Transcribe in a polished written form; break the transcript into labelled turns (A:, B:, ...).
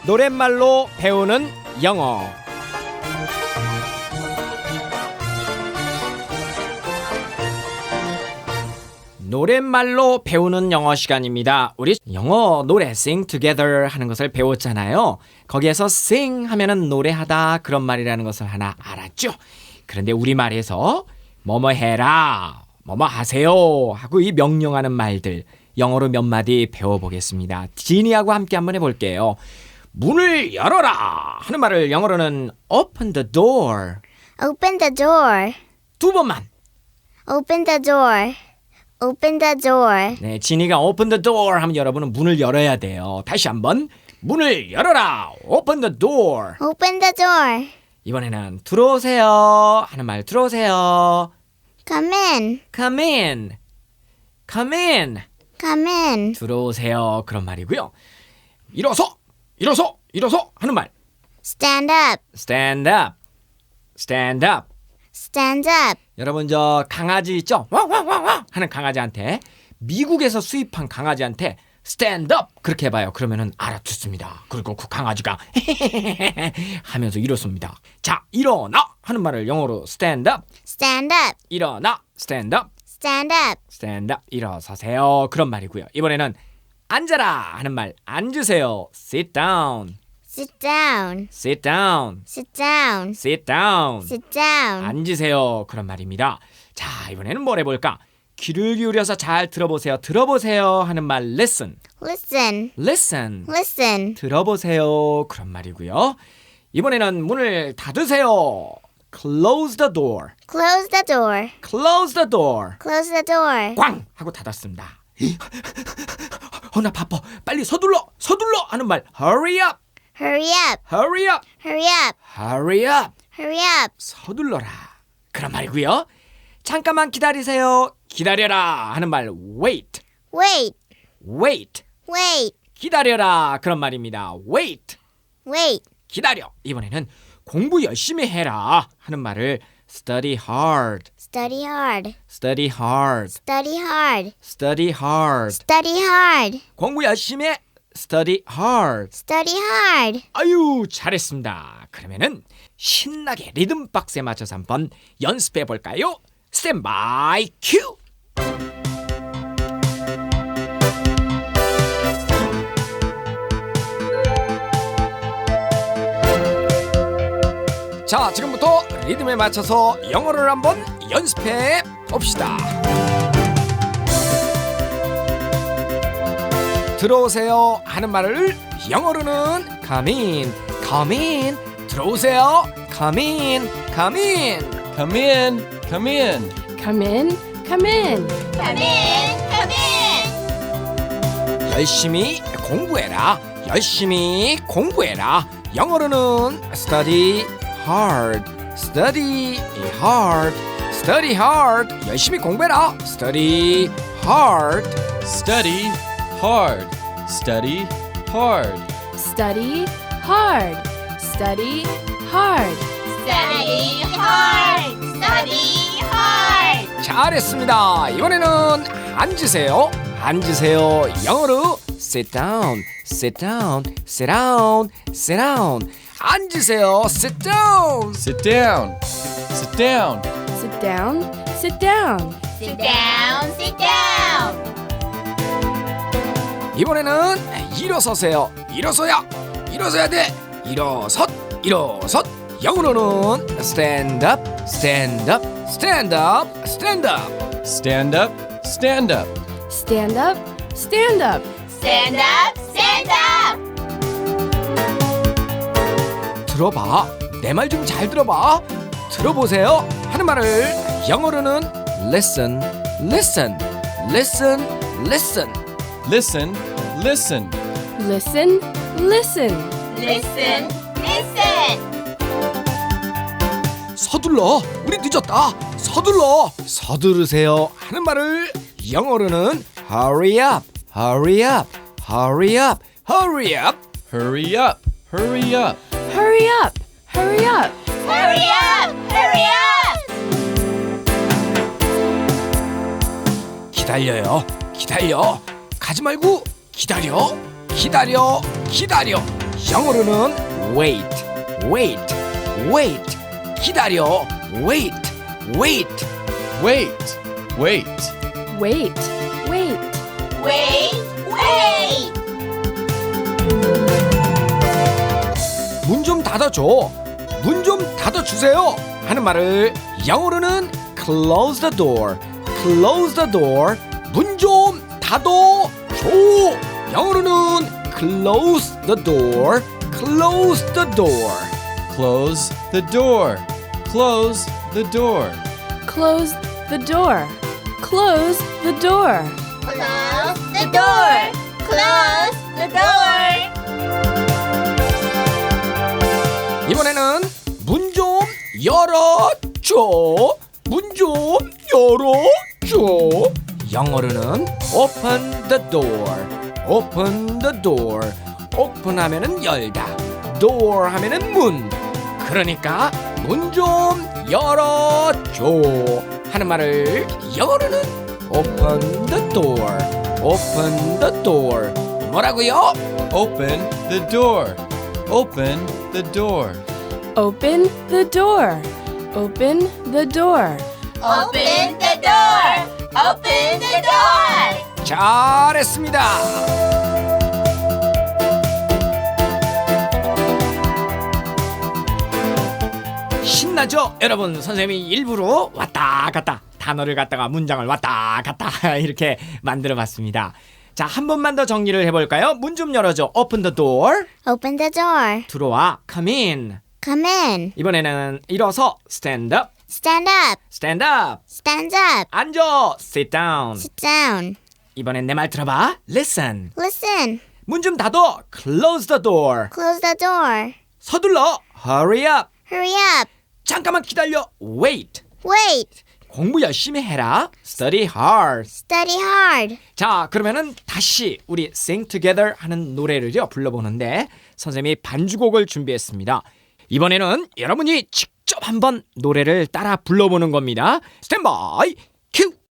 A: 노랫말로 배우는 영어. 노랫말로 배우는 영어 시간입니다. 우리 영어 노래 sing together 하는 것을 배웠잖아요. 거기에서 sing 하면은 노래하다 그런 말이라는 것을 하나 알았죠. 그런데 우리말에서 뭐뭐 해라, 뭐뭐 하세요 하고 이 명령하는 말들 영어로 몇 마디 배워보겠습니다. 지니하고 함께 한번 해볼게요. 문을 열어라 하는 말을 영어로는 open the door.
B: Open the door.
A: 두 번만.
B: Open the door. Open the door.
A: 네, 지니가 open the door 하면 여러분은 문을 열어야 돼요. 다시 한번 문을 열어라. open the door.
B: Open the door.
A: 이번에는 들어오세요 하는 말 들어오세요.
B: Come in.
A: come in. come in.
B: Come in.
A: 들어오세요 그런 말이고요. 일어서 하는 말
B: Stand up.
A: stand up. stand up.
B: Stand up.
A: 여러분 저 강아지 있죠? 왕왕왕왕 하는 강아지한테 미국에서 수입한 강아지한테 stand up 그렇게 해봐요. 그러면은 알아듣습니다. 그리고 그 강아지가 하면서 일어섭니다. 자, 일어나 하는 말을 영어로 stand up.
B: Stand up.
A: 일어나 stand up.
B: Stand up.
A: stand up 일어서세요 그런 말이고요. 이번에는 앉아라 하는 말 앉으세요. sit down.
B: Sit down.
A: sit down.
B: Sit down.
A: sit down.
B: Sit down.
A: 앉으세요 그런 말입니다. 자, 이번에는 뭘 해볼까? 귀를 기울여서 잘 들어보세요. 들어보세요 하는 말 listen.
B: Listen.
A: listen.
B: Listen.
A: 들어보세요 그런 말이고요. 이번에는 문을 닫으세요. close the door.
B: Close the door.
A: close the door.
B: Close the door.
A: 꽝 하고 닫았습니다. 나 바빠. 빨리 서둘러 하는 말 hurry up.
B: Hurry up.
A: hurry up.
B: Hurry up.
A: hurry up.
B: Hurry up.
A: 서둘러라 그런 말이고요. 잠깐만 기다리세요. 기다려라 하는 말 wait.
B: Wait.
A: wait.
B: Wait.
A: 기다려라 그런 말입니다. wait.
B: Wait.
A: 기다려. 이번에는 공부 열심히 해라 하는 말을 study hard.
B: Study hard.
A: study hard.
B: Study hard.
A: study hard.
B: Study hard.
A: 공부 열심히 해. study hard.
B: Study hard.
A: 아유 잘했습니다. 그러면은 신나게 리듬 박스에 맞춰서 한번 연습해 볼까요? 스탠바이 큐. 자, 지금부터 리듬에 맞춰서 영어를 한번 연습해 봅시다. 들어오세요 하는 말을 영어로는 come in. come in. 들어오세요. come in. come in.
C: Come in, come in.
D: Come in, come in.
B: Come in. Come in.
A: 열심히 공부해라. 열심히 공부해라. 영어로는 study hard. study hard. study hard. 열심히 공부해라. study hard.
C: Study hard. Study hard.
D: Study hard. Study hard.
B: Study hard. Study hard.
A: 잘했습니다. 이번에는 앉으세요. 앉으세요. 영어로 sit down. sit down. sit down. sit down. 앉으세요. sit down.
C: Sit down. Sit down.
D: Sit down. Sit down.
B: Sit down. Sit down.
A: 이번에는 일어서세요. 일어서야 돼. 일어섰. 영어로는 stand up. stand up. stand up. stand up.
C: Stand up. Stand up.
D: Stand up. Stand up.
B: Stand up. Stand up.
A: 들어봐. 내 말 좀 잘 들어봐. 들어보세요 하는 말을 영어로는 listen. listen. listen. listen.
C: Listen. Listen.
D: Listen. Listen.
B: Listen. Listen.
A: 서둘러. 우리 늦었다. 서두르세요 하는 말을 영어로는 hurry up. hurry up. hurry up. hurry up.
C: Hurry up. Hurry up.
D: Hurry up. Hurry up.
B: Hurry up. Hurry up.
A: 기다려. 가지 말고 기다려. 영어로는 wait, wait, wait. 기다려. wait, wait.
C: Wait. Wait.
D: Wait, wait.
B: Wait, wait.
A: 문 좀 닫아줘. 문 좀 닫아주세요. 하는 말을 영어로는 close the door, close the door. 문 좀 닫아줘. 영어로는 close the door, close the door.
C: Close the door. Close the door.
D: Close the door. Close the door.
B: Close the door. Close the door.
A: 이번에는 문 좀 열어줘. 문 좀 열어줘. 영어로는 open the door, open the door. open 하면은 열다, door 하면은 문. 그러니까 문 좀 열어줘 하는 말을 영어로는 open the door, open the door. 뭐라고요?
C: Open the door. Open the door.
D: Open the door. Open the door.
B: Open the door. Open the door.
A: 잘했습니다. 신나죠? 여러분, 선생님이 일부러 왔다 갔다 단어를 갖다가 문장을 왔다 갔다 이렇게 만들어 봤습니다. 자, 한 번만 더 정리를 해볼까요? 문 좀 열어줘. Open the door.
B: Open the door.
A: 들어와. Come in.
B: Come in.
A: 이번에는 일어서. Stand up.
B: Stand up.
A: Stand up.
B: Stand up.
A: 앉아. Sit down.
B: Sit down.
A: 이번엔 내 말 들어봐. Listen.
B: Listen.
A: 문 좀 닫어. Close the door.
B: Close the door.
A: 서둘러. Hurry up.
B: Hurry up.
A: 잠깐만 기다려. Wait.
B: Wait.
A: 공부 열심히 해라. Study hard.
B: Study hard.
A: 자, 그러면은 다시 우리 Sing Together 하는 노래를요 불러보는데 선생님이 반주곡을 준비했습니다. 이번에는 여러분이 직접 한번 노래를 따라 불러보는 겁니다. 스탠바이 큐.